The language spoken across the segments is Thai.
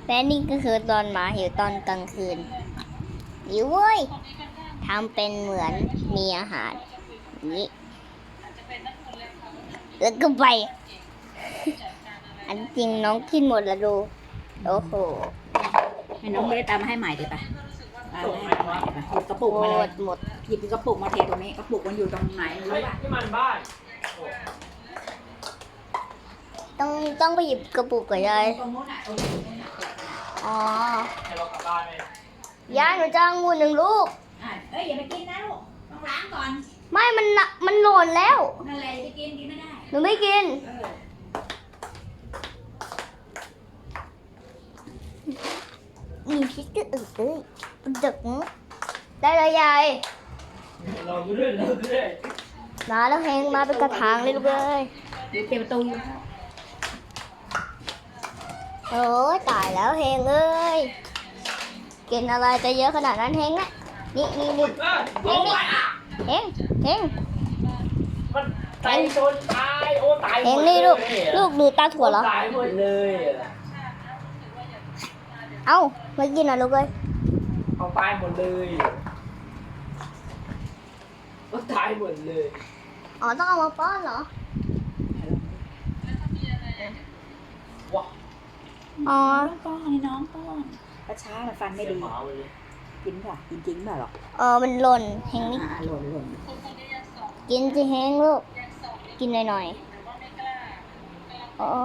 และนี่ก็คือตอนหมาหิวตอนกลางคืนหิวเว้ยทำเป็นเหมือนมีอาหารนี้แล้วก็ไป อันจริงน้องกินหมดแล้วดูโอ้โหให้น้องเบสตามมาให้ใหม่ดีป่ะตามมาให้ใหม่ดีป่ะหยิบกระปุกหมมาเลยดหมดหยิบกระปุกมาเทตรงนี้กระปุกมันอยู่ตรงไหนไม่รู้ป่ะที่มันบ้านต้องไปหยิบกระปุกก่อนยายตรงนู้นน่ะตรงนู้นน่ะอ๋อให้เรากลับบ้านไหมยายหนูจะเอางู1 ลูกเอ้ยอย่าไปกินนะลูกต้องล้างก่อนไม่มันหล่นแล้วนั่นแหละจะกินไม่ได้หนูไม่กินมีพิษก็เอ้ยดึกได้เลยยายเราด้วยมาแล้วแหงมาเป็นกระถางเลยลูกเอ้ยอยู่เต็มประตูอยู่โอ้ยตายแล้วแหงเอ้ยกินอะไรจะเยอะขนาดนั้นแหงนะนี่แหงมันตายจนตายโอ้ตายแหงนี่ลูกดูตาถั่วเหรอตายหมดเลยเอ้าไม่กินอ่ะลูกเอ้ยเอาตายหมดเลยก็ตายหมดเลยอ๋อต้องเอามาป้อนเหรอว้าอ๋อป้อนให้น้องป้อนกระช้ามันฟันไม่ดีหมาเลยกินป่ะกินจริงป่ะหรอกมันหล่นแหงนี่หล่นกินสิแหงลูกกินหน่อยๆอ๋อ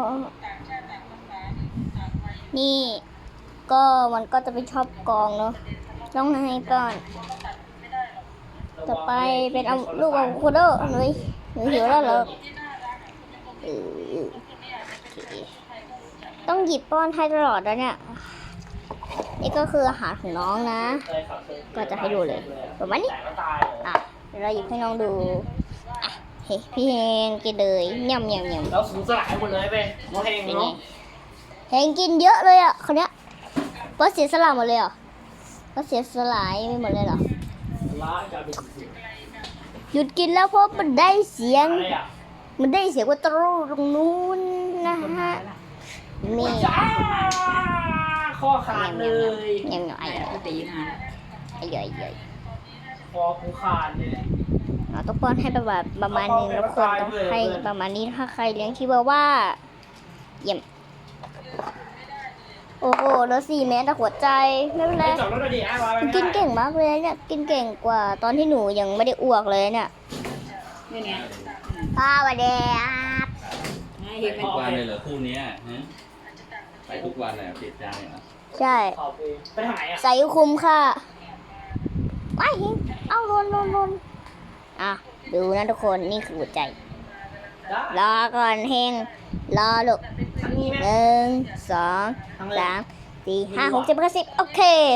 นี่ก็มันก็จะไปชอบกองเนาะต้องให้ก่อนต่อไปเป็นเอาลูกอะโวคาโดหนูหิวแล้วเหรอเออโอเคต้องหยิบป้อนให้ตลอดแล้วเนี่ยนี่ก็คืออาหารของน้องนะ ก็จะให้ดูเลยประมาณนี้แต่ก็ตายอ่ะเดี๋ยวเราหยิบให้น้องดูอ่ะเฮ้ยพี่เฮงกินเลยย่ำแล้วสูญสลายหมดเลยไปโมเฮงเป็นไงเนาะเฮงกินเยอะเลยอ่ะคนเนี้ยก็เสียสละหมดเลยเหรอก็เสียสลายไปหมดเลยเหรอล้างการเป็นสิ่งหยุดกินแล้วเพราะมันได้เสียงอะไรอ่ะมันได้เสียงว่าตรูตรงนู้นนะฮะนี่จ้าคอขาดเลยยังไงไอ้ตีมาไอ้ย่อยคอกูขาดเลยเราต้องป้อนให้ประมาณนี้ทุกคนต้องให้ประมาณนี้ถ้าใครเลี้ยงชิวาว่าเยี่ยมโอ้โหแล้ว4 เมตรแต่หัวใจไม่เป็นไรจอดรถดีอ่ะไปกินเก่งมากเลยเนี่ยกินเก่งกว่าตอนที่หนูยังไม่ได้อ้วกเลยเนี่ยนี่ไงป้าวันเดียบเห็นทุกวันเลยเหรอคู่เนี้ยฮะไปทุกวันเลยติดใจเหรอใช่ไปหายอ่ะใส่คุ้มค่ะไม่เห็นเอาลนอ่ะดูนะทุกคนนี่คือหัวใจรอก่อนเฮงรอลูกทั้งนี้ไหม 1 2 3 4 5 6 7 8 10โอเค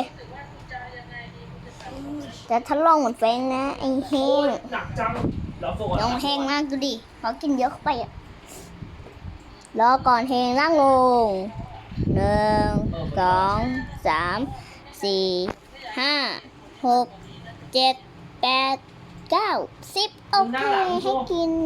แต่ถ้าลองเหมือนแฟงนะไอ้เฮงหนักจังเราโฟกัสน้องเฮงมากดูดิเขากินเยอะเข้าไปอ่ะรอก่อนเฮงนั่งลง1 2 3 4 5 6 7 8 9 10โอเคให้กิน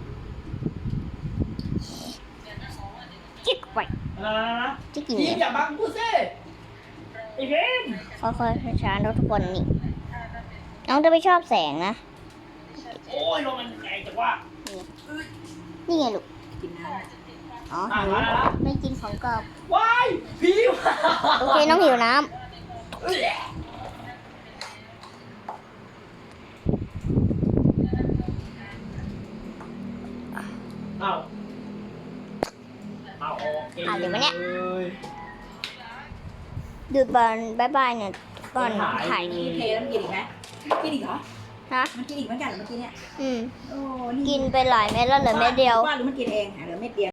จิ๊กไปนะจะกินพี่เนี่ยอย่าบังกูสิไอ้เพ่นค่อยๆช้าๆนะทุกคนนี่น้องจะไม่ชอบแสงนะโอ้ยลงมันแรงจังว่านี่ไงลูกกินน้อ๋ออ่ะหิวมาแล้วไม่กินของกรอบว้ายพี่โอเคน้องหิวน้เอาเอาโอเคำดูดบอลบายบายเนี่ยก่อนถ่ายำนี่เทแล้วมันกินอีกไหมกินอีกเหรอฮะมันกินอีกเหมือนกันเหรอเมื่อกี้เนี่ยอืมโอ้กินไปหลายเม็ดแล้วเหลือเม็ดเดียวว่าหรือมันกินเองเหลือเม็ดเดียว